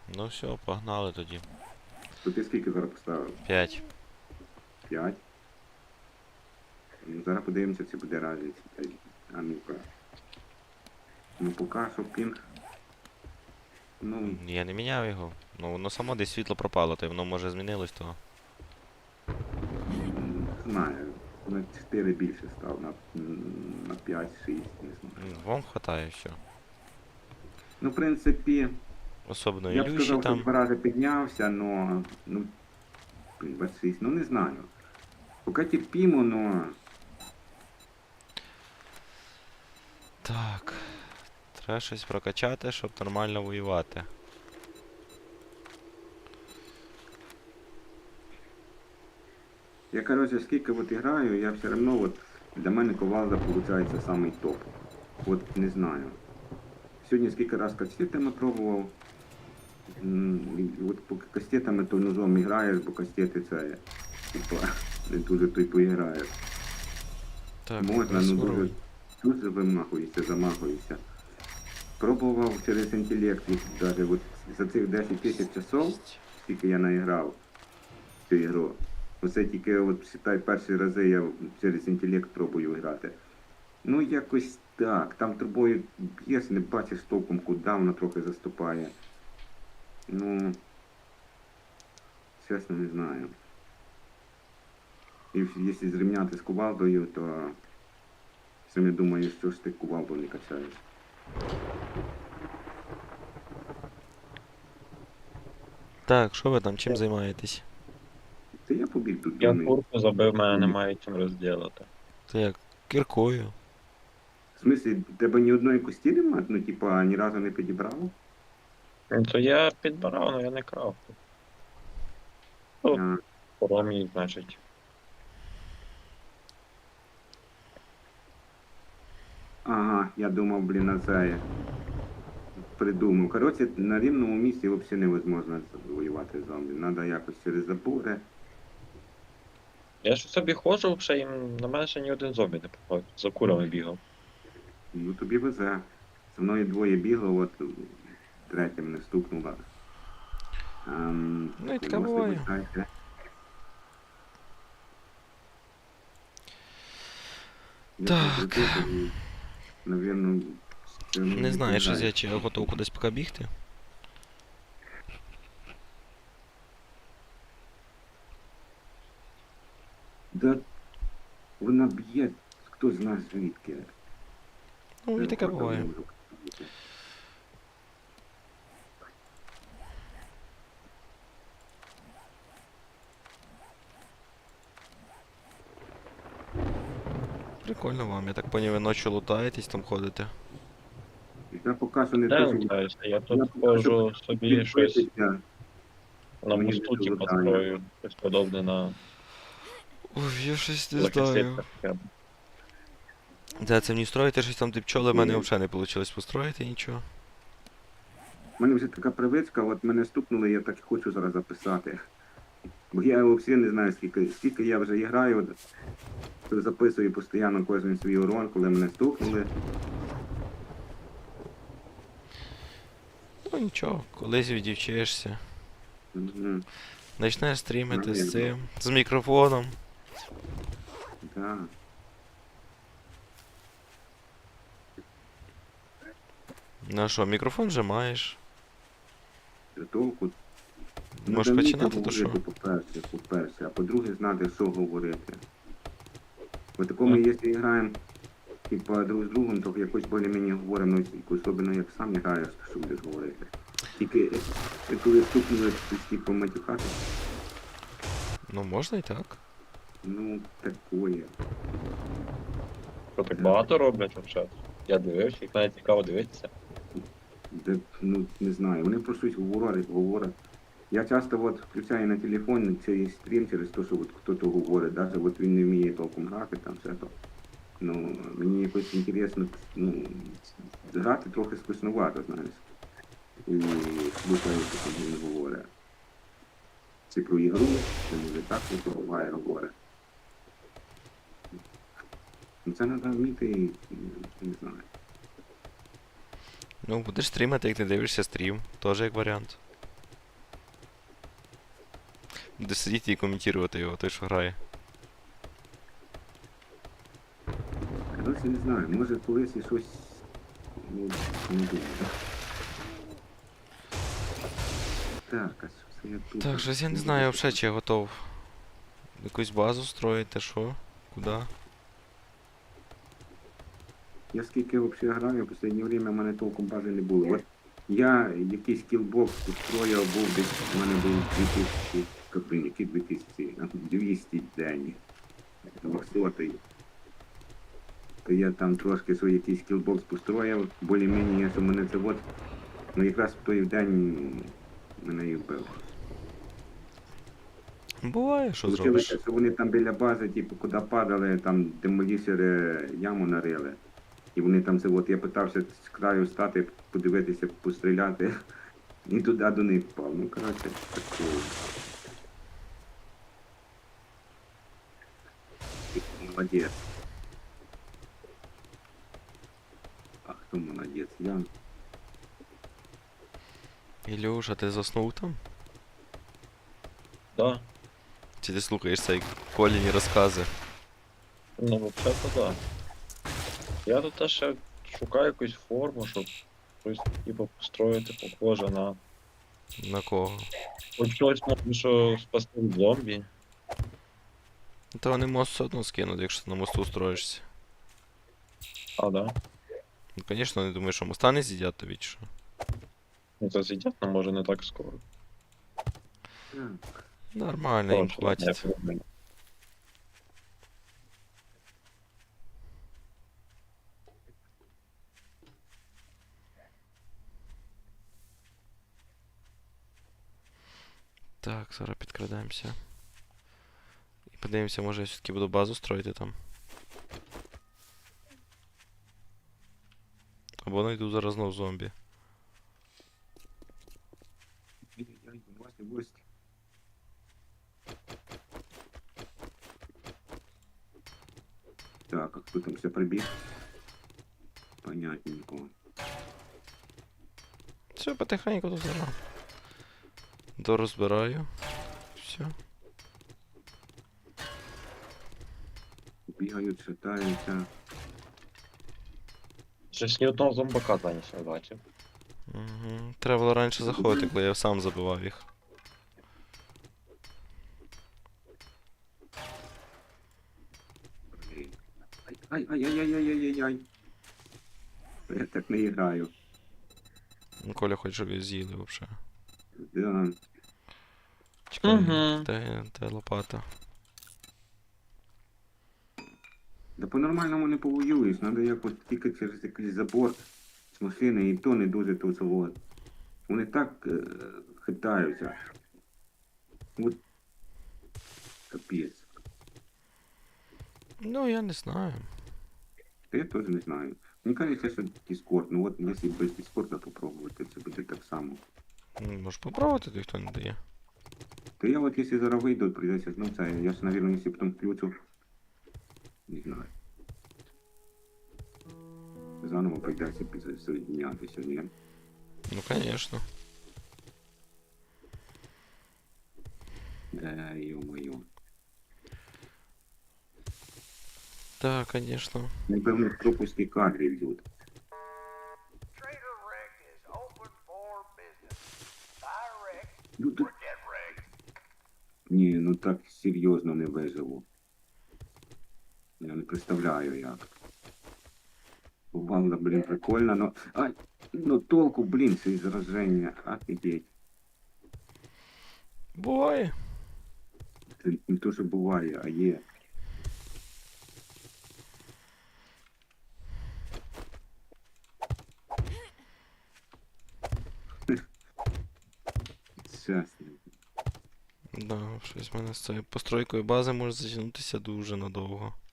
Ну все, погнали тоді. То ти скільки зараз поставив? 5. 5? Ну, зараз подивимося, чи буде разниця. А ну-ка. Ну поки що пінг. Ну, Я не міняв його. Ну воно само десь світло пропало, то й воно може змінилось, то. не знаю. На 4 більше став, на 5-6, не знаю. Вам хватає все. Ну, в принципі, Особливо я б Ілюші сказав, що там. 2 рази піднявся, но, ну, блін, 26, ну не знаю. Поки терпімо, но Так. Треба щось прокачати, щоб нормально воювати. я, короче, скільки от граю, я все одно, от, для мене Ковалда виходить самий топ. От не знаю. Сьогодні скільки раз кастетами пробував. І от поки кастетами, то ножом граєш, бо кастети це, типа, не дуже то й поіграєш. Так, Можна, ну прискоруй. дуже вимахуєшся, замахуєшся. Пробував через інтелект, навіть от за цих 10 тисяч часов, скільки я наіграв в цю ігру. Оце тільки, от, считай, перші рази я через інтелект пробую грати. Ну, якось так. Там тобою б'єш, не бачиш толком, куди воно трохи заступає. Ну, чесно, не знаю. І якщо зрівняти з кувалдою, то самі думаю, що ж ти кувалду не качаєш. Так, що ви там, чим займаєтесь? Це я побіг тут Я думаю. курку забив, мене немає чим розділити. Це як кіркою. В смислі, тебе ні одної кості немає? Ну, типа, ні разу не підібрав? Ну, то я підбирав, але я не крав. Ну, А, поромій, значить. ага, я думав, блін, на це придумав. Коротше, на рівному місці взагалі невозможно воювати з зомбі. Треба якось через забори. Я ж собі ходжу, ще їм на мене ще ні один зомбі не попав. За курами бігав. Ну, тобі везе. Зі мною двоє бігло, от третя мене стукнула. Ну і таке власне, буває. вибачайте. Я Так. прикрутив, навірно, це Не знаю, що відповідає. я чи я готов кудись поки бігти. Да вона б'є, хто з нас звідки. Ну і таке Це буває. можу. Прикольно вам, я так поняв, ви ночі лутаєтесь, там ходите. Я поки що не Де хочу лутаюся? Я Я тут поки ходжу собі щось відбитися. на Мені мосту, не типу, лутаю. строю. Щось подобне на Ой, я щось не знаю. лакасетках. Де це мені строїти щось там, ти пчоли, в мене взагалі не вийшло построїти нічого. У мене вже така привичка, от мене стукнули, я так і хочу зараз записати. Бо я взагалі не знаю, скільки я вже граю, от, записую постійно кожен свій урон, коли мене стукнули. Ну нічого, колись відівчаєшся. Мгм. Почнеш стрімити з Навірно. цим, з мікрофоном. Да. Ну а що, мікрофон вже маєш. Толку. Можеш Надо починати, вміти то що? говорити, по-перше, а по-друге, знати, що говорити. Бо такому, якщо граємо, типа, друг з другом, то якось більш-менш говоримо, ну, особливо як сам граєш, то що будеш говорити. Тільки, коли стукнули, типу, матюхати, Ну можна і так. ну, такое. Що так багато роблять взагалі? Я дивився, їх навіть цікаво дивитися. Де, ну, не знаю, вони про щось говорять. Я часто от включаю на телефон цей стрім через те, що от хтось говорить, навіть от він не вміє толком грати, там все то. Ну, мені якось інтересно, ну, грати трохи скучновато, знаєш. І слухаю, що там він говорить. Чи про ігру, чи може так, що буває говорить. Ну, це треба вміти, не знаю. Ну будеш стрімити, як ти дивишся стрім, теж як варіант. Де сидіти і коментувати його, той, що грає. Коротше, не знаю, може колись і щось, ну, не думаю. Так, а що це я тут? Так, щось я не знаю взагалі, чи я готов. Якусь базу строїти, що? Куди? Я скільки взагалі граю, в останнє время в мене толком бази не було. От я якийсь кілбокс устроїв, був десь, у мене був 2000, які 2000, 200 день, 200. То я там трошки свій якийсь кілбокс построїв, більш-менш, що мене це от, ну якраз в той день мене і вбив. Буває, що зробиш. Получилося, що вони там біля бази, типу, куди падали, там демолішери яму нарили. І вони там це от, я питався з краю стати, подивитися, постріляти, і туди до них впав. Ну, коротше, такого. Молодець. А хто молодець? Я. Ілюша, ти заснув там? Да. Чи ти слухаєш цей Коліні розкази? Ну, взагалі-то да. Я тут теж ще шукаю якусь форму, щоб щось типу построїти похоже на. На кого? Хоч щось можна, що спасти від зомбі. Та вони мост все одно скинуть, якщо ти на мосту строїшся. А, да. Ну, звісно, не думаю, що моста не з'їдять тобі, чи що? Ну це зійдет, але може не так скоро. Так. Нормально, їм Коротше, хватить. не проблема. Так, зараз підкрадаємося. І подивимося, може я все-таки буду базу строїти там. Або знайду зараз знов зомбі. Ай-яй-яй, гості, гості. Так, а хто там все прибіг? Понятненько. Все, потихеньку тут зараз. Дорозбираю. Все. Бігають, шатаються. Щось ні одного зомбака зараз не бачив. Угу. Треба було раніше заходити, коли я сам забивав їх. Блін. Ай-ай-ай-ай-ай-ай-ай-ай. Я так не граю. Ну, Коля хоче, щоб її з'їли взагалі. Да. Чекай, Мгм. де лопата? Да по-нормальному не повоюєш, треба якось тільки через якийсь забор з машини, і то не дуже то завод. Вони так хитаються. От капець. Ну, я не знаю. Та я теж не знаю. Мені кажеться, що Discord, ну от якщо без Discord попробувати, це буде так само. Ну, можеш попробувати, то ніхто не дає. То я от якщо зараз вийду, прийдеться знов це, я ж, мабуть, якщо потім включу, не знаю. Заново прийдеться підсоєднятися, ні? Ну, звісно. Йо-моє. Так, звісно. Напевно, пропуски кадрів йдуть. Trader Rick is open for business. Buy Rick Ну, or get Rick. ні, ну так серйозно не виживу. Я не представляю як. Бувало, блін, прикольно, но... Ай, ну толку, блін, це із зараження. Офігеть. Буває. Це не то, що буває, а є. Щас. Да, щось в мене з цією постройкою бази може затягнутися дуже надовго.